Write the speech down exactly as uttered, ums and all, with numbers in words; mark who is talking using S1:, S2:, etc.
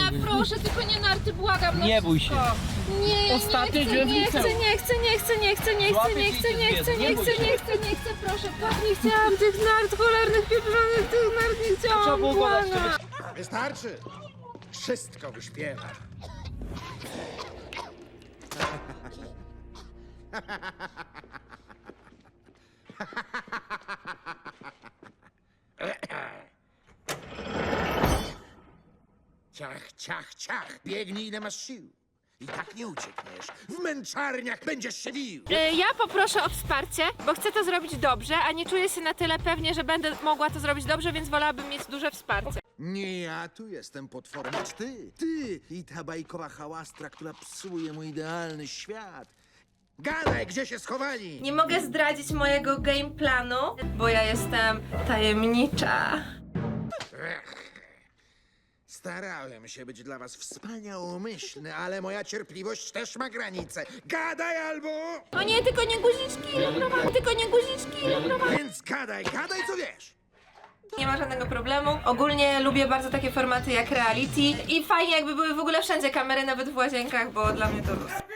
S1: proszę, tylko nie narty, błagam, no
S2: Nie bój się.
S1: wszystko. Nie,
S2: Ostatnio
S1: nie chcę,
S2: wziąłem
S1: nie
S2: liceum.
S1: chcę, nie chcę, nie chcę, nie chcę, nie chcę,
S2: Złapię
S1: nie
S2: ci
S1: chcę, nie
S2: dziecko,
S1: chcę,
S2: nie
S1: nie
S2: bój
S1: chcę,
S2: się.
S1: nie chcę, nie chcę, proszę, tak nie chciałam tych nart, cholernych, pieprzonych tych nart, nie
S2: Trzeba
S1: chciałam,
S2: było go dać,
S1: błagam.
S3: Wystarczy. Wszystko wyśpiewa. Ciach, ciach, ciach. Biegnij ile masz sił. I tak nie uciekniesz. W męczarniach będziesz się wił.
S1: E, Ja poproszę o wsparcie, bo chcę to zrobić dobrze, a nie czuję się na tyle pewnie, że będę mogła to zrobić dobrze, więc wolałabym mieć duże wsparcie.
S3: Nie ja tu jestem potworem, lecz ty. Ty i ta bajkowa hałastra, która psuje mój idealny świat. Gadaj, gdzie się schowali?
S1: Nie mogę zdradzić mojego game planu, bo ja jestem tajemnicza.
S3: Starałem się być dla was wspaniałomyślny, ale moja cierpliwość też ma granice. Gadaj albo...
S1: O nie, tylko nie guziczki, Luprowa, tylko nie guziczki, Luprowa.
S3: Więc gadaj, gadaj co wiesz.
S1: Nie ma żadnego problemu. Ogólnie lubię bardzo takie formaty jak reality i fajnie jakby były w ogóle wszędzie kamery, nawet w łazienkach, bo dla mnie to luz.